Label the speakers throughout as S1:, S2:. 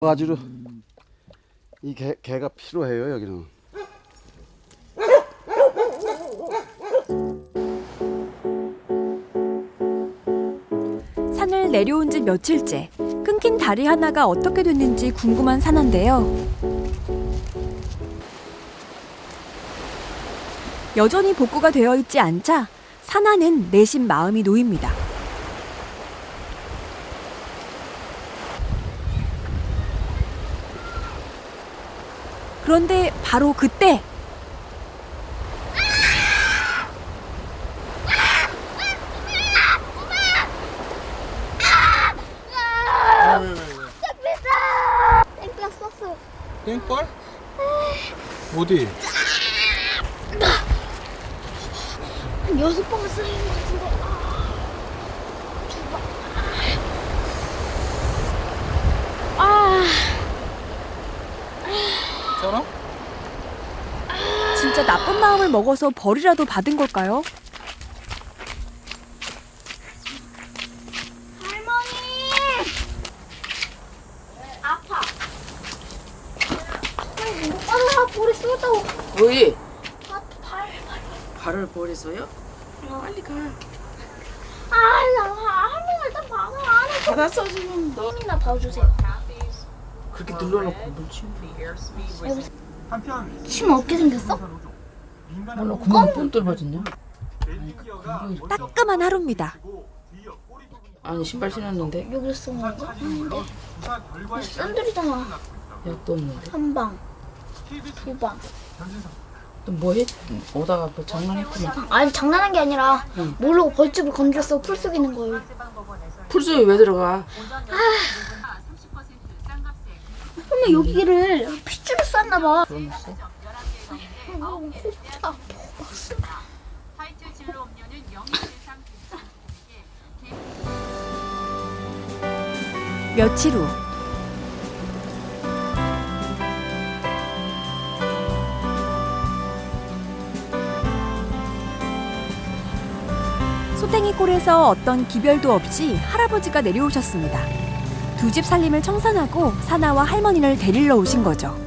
S1: 바지로 이 개가 필요해요 여기는.
S2: 산을 내려온 지 며칠째 끊긴 다리 하나가 어떻게 됐는지 궁금한 사나인데요. 여전히 복구가 되어 있지 않자 사나는 내심 마음이 놓입니다. 그런데 바로 그때
S3: 땡볕 썼어요.
S4: 땡벌? 어디?
S3: 한 6번 쓰는 것 같은데.
S4: 괜찮아?
S2: 진짜 나쁜 마음을 먹어서 벌이라도 받은 걸까요?
S3: 할머니! 아파. 아, 볼이 쏟다고.
S5: 왜?
S3: 아, 발.
S5: 발을 버려서요? 빨리 가.
S3: 아, 할머니 일단 방을 안 해.
S5: 받았어 지금 너.
S3: 나 봐주세요.
S5: 그렇게 눌러놓고 물 치워.
S3: 침 없게 생겼어?
S5: 몰라 구멍 뻥 뚫어졌냐?
S2: 따끔한 하루입니다.
S5: 아니 신발 신었는데
S3: 여기서 쏜 건가? 아닌데. 샌들이잖아.
S5: 약도 없는데.
S3: 한 방. 두 방.
S5: 또 뭐해? 오다가 뭐 장난했구나.
S3: 아니, 장난한 게 아니라
S5: 응.
S3: 모르고 벌집을 건드렸어. 풀 속에 있는 거예요.
S5: 풀숲에 왜 들어가?
S3: 근데 여기를 핏줄을 쌌나 봐.
S5: 그러면서
S3: 진짜.
S2: 며칠 후 소탱이골에서 어떤 기별도 없이 할아버지가 내려오셨습니다. 두 집 살림을 청산하고 사나와 할머니를 데리러 오신 거죠.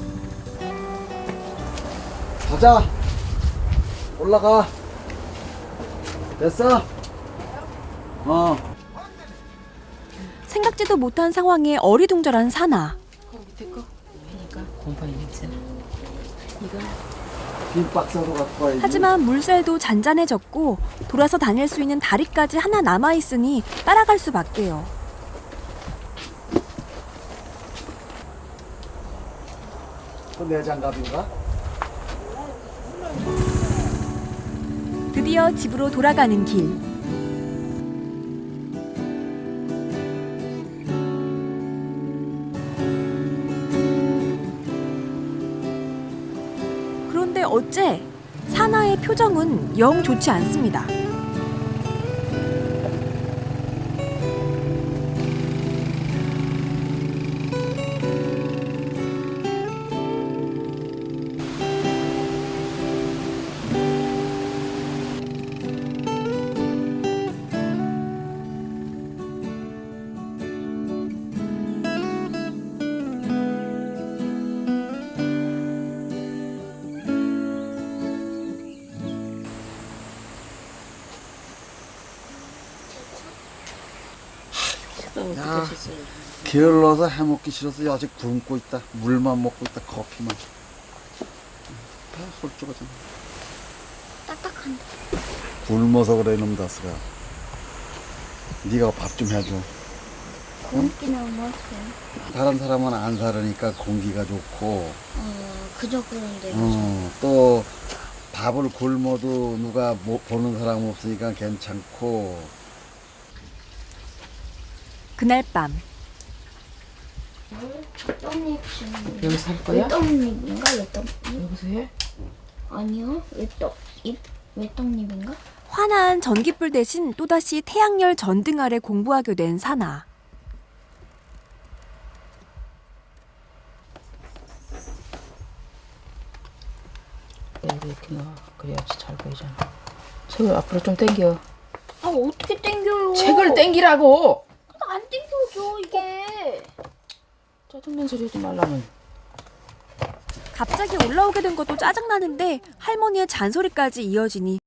S1: 가자. 올라가. 됐어?
S2: 생각지도 못한 상황에 어리둥절한 사나.
S5: 그 밑에 거 그러니까 곰팡이 냄새나. 이거
S1: 빈 박스로 갖고 와야지.
S2: 하지만 물살도 잔잔해졌고 돌아서 다닐 수 있는 다리까지 하나 남아있으니 따라갈 수밖에요.
S1: 또 내 장갑인가?
S2: 드디어 집으로 돌아가는 길. 그런데 어째 사나의 표정은 영 좋지 않습니다.
S1: 야, 게을러서 해먹기 싫어서 아직 굶고 있다. 물만 먹고 있다. 커피만. 다 솔직하잖아.
S3: 딱딱한데.
S1: 굶어서 그래 이놈 다스가. 네가 밥 좀 해줘.
S3: 공기는 뭐였어요?
S1: 다른 사람은 안 살으니까 공기가 좋고
S3: 그저 그런데.
S1: 또 밥을 굶어도 누가 보는 사람 없으니까 괜찮고.
S2: 그날 밤
S3: 떡잎 주는.
S5: 여기서 할 거야?
S3: 외떡잎인가? 외떡잎?
S5: 여기서 해?
S3: 아니요. 외떡잎? 외떡잎인가?
S2: 환한 전깃불 대신 또다시 태양열 전등 아래 공부하게 된 사나.
S5: 이렇게 넣어. 그래야지 잘 보이잖아. 책을 앞으로 좀 당겨.
S3: 아, 어떻게 땡겨요?
S5: 책을 당기라고.
S3: 안 땡겨져 이게.
S5: 자, 짜증난 소리 하지 말라면.
S2: 갑자기 올라오게 된 것도 짜증나는데 할머니의 잔소리까지 이어지니